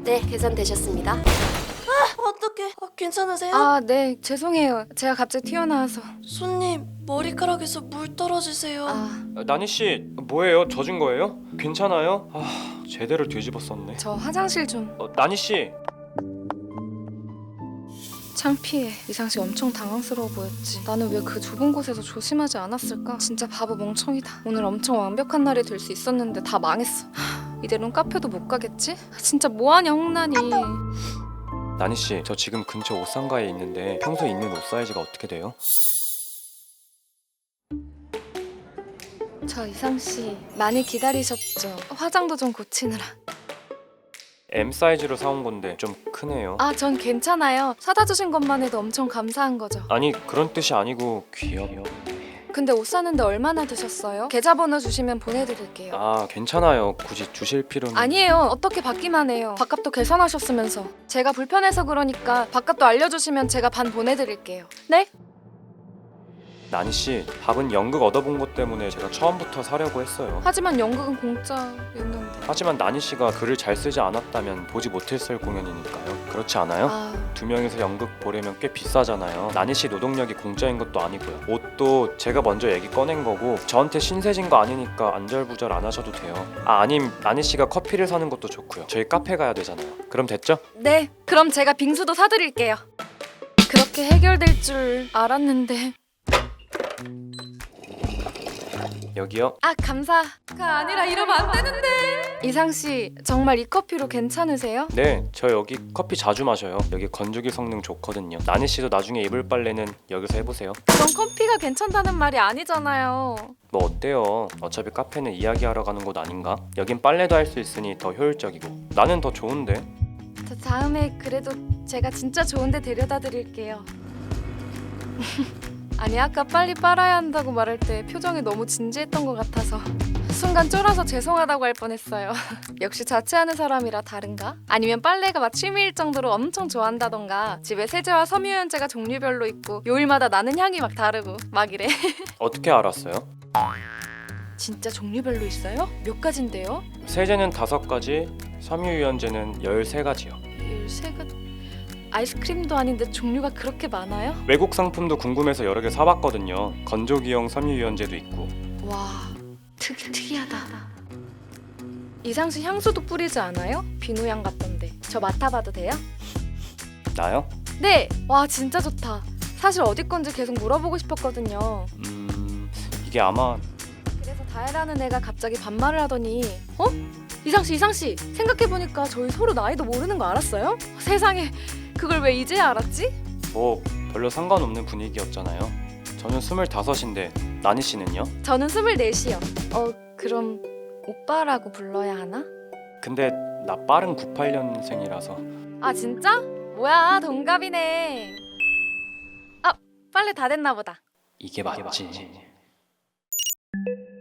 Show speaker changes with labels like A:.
A: 네, 계산되셨습니다.
B: 어떡해. 괜찮으세요?
C: 아, 네, 죄송해요. 제가 갑자기 튀어나와서.
B: 손님, 머리카락에서 물 떨어지세요.
D: 나니 씨 뭐예요? 젖은 거예요? 괜찮아요? 제대로 뒤집었었네.
C: 저 화장실 좀.
D: 나니 씨.
C: 창피해. 이상씨 엄청 당황스러워 보였지. 나는 왜 그 좁은 곳에서 조심하지 않았을까? 진짜 바보 멍청이다. 오늘 엄청 완벽한 날이 될 수 있었는데 다 망했어. 이대로는 카페도 못 가겠지? 진짜 뭐하냐 홍난이.
D: 나니 씨, 저 지금 근처 옷상가에 있는데 평소에 입는 옷 사이즈가 어떻게 돼요?
C: 저 이상씨 많이 기다리셨죠? 화장도 좀 고치느라.
D: M 사이즈로 사온 건데 좀 크네요.
C: 아, 전 괜찮아요. 사다 주신 것만 해도 엄청 감사한 거죠.
D: 아니 그런 뜻이 아니고 귀여워.
C: 근데 옷 사는데 얼마나 드셨어요? 계좌번호 주시면 보내드릴게요.
D: 괜찮아요. 굳이 주실 필요는.
C: 아니에요. 어떻게 받기만 해요. 밥값도 계산하셨으면서. 제가 불편해서 그러니까 밥값도 알려주시면 제가 반 보내드릴게요. 네?
D: 나니 씨, 밥은 연극 얻어본 것 때문에 제가 처음부터 사려고 했어요.
C: 하지만 연극은 공짜였는데.
D: 하지만 나니 씨가 글을 잘 쓰지 않았다면 보지 못했을 공연이니까요. 그렇지 않아요? 두 명이서 연극 보려면 꽤 비싸잖아요. 나니 씨 노동력이 공짜인 것도 아니고요. 옷도 제가 먼저 얘기 꺼낸 거고 저한테 신세진 거 아니니까 안절부절 안 하셔도 돼요. 아님 나니 씨가 커피를 사는 것도 좋고요. 저희 카페 가야 되잖아요. 그럼 됐죠?
C: 네. 그럼 제가 빙수도 사드릴게요. 그렇게 해결될 줄 알았는데.
D: 여기요.
C: 감사가 아니라 이러면 안 되는데. 이상씨 정말 이 커피로 괜찮으세요?
D: 네, 저 여기 커피 자주 마셔요. 여기 건조기 성능 좋거든요. 나니 씨도 나중에 입을 빨래는 여기서 해보세요.
C: 그건 커피가 괜찮다는 말이 아니잖아요.
D: 뭐 어때요? 어차피 카페는 이야기하러 가는 곳 아닌가? 여긴 빨래도 할 수 있으니 더 효율적이고 나는 더 좋은데.
C: 다음에 그래도 제가 진짜 좋은데 데려다 드릴게요. 아니 아까 빨리 빨아야 한다고 말할 때 표정이 너무 진지했던 것 같아서 순간 쫄아서 죄송하다고 할 뻔했어요. 역시 자취하는 사람이라 다른가? 아니면 빨래가 막 취미일 정도로 엄청 좋아한다던가 집에 세제와 섬유유연제가 종류별로 있고 요일마다 나는 향이 막 다르고 막 이래.
D: 어떻게 알았어요?
C: 진짜 종류별로 있어요? 몇 가지인데요?
D: 세제는 5가지, 섬유유연제는 13가지요.
C: 13가지... 아이스크림도 아닌데 종류가 그렇게 많아요?
D: 외국 상품도 궁금해서 여러 개 사봤거든요. 건조기용 섬유유연제도 있고.
C: 와, 특이하다. 이상씨 향수도 뿌리지 않아요? 비누향 같던데. 저 맡아봐도 돼요?
D: 나요?
C: 네! 와, 진짜 좋다. 사실 어디 건지 계속 물어보고 싶었거든요.
D: 이게 아마
C: 그래서 다혜라는 애가 갑자기 반말을 하더니 어? 이상씨 생각해보니까 저희 서로 나이도 모르는 거 알았어요? 세상에, 그걸 왜 이제야 알았지?
D: 뭐 별로 상관없는 분위기였잖아요. 저는 25인데 나니 씨는요?
C: 저는 24이요. 그럼 오빠라고 불러야 하나?
D: 근데 나 빠른 98년생이라서.
C: 아, 진짜? 뭐야, 동갑이네. 빨래 다 됐나 보다.
D: 이게 맞지.